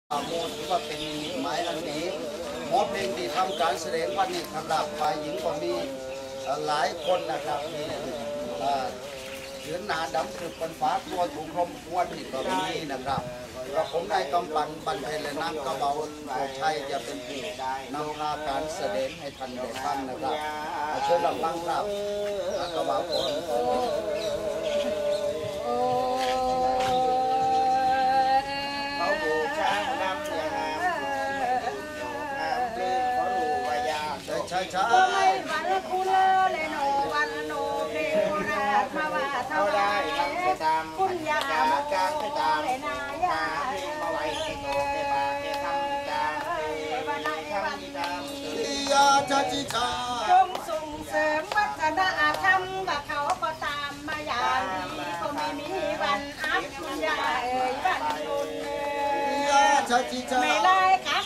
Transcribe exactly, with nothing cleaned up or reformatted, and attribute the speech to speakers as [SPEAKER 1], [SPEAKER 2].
[SPEAKER 1] โมถือว่าเป็นนิหมายอันนี้หมอเพลงที่ทำการแสดงวันนี้สำหรับฝ่ายหญิงก็มีหลายคนนะครับมีเชือนหนาดำคือเป็นฟ้าตัวถูกคมควนนี่ก็มีนะครับกระผมนายกำปันบันเทเลนักกระเบาโชชัยจะเป็นผู้นำพาการแสดงให้ท่านได้ฟังนะครับเชิญรับฟังครับกระเบาผมใช่ใช่
[SPEAKER 2] วันคุเลเลโนวันโนเพโนราชมาว่าเท่าไรคุณยามาจางให้ตามนายามาไว้ที่โตเกบาเกทำจางวันไหนวันดำ
[SPEAKER 1] ยาจัจิชา
[SPEAKER 2] จงส่งเสริมวัฒนธรรมว่าเขาก็ตามมาอย่างนี้ก็ไม่มีวันอับคุณยาเอ่ยวันดุล
[SPEAKER 1] ยาจัจิชา
[SPEAKER 2] ไม่ไล่ขา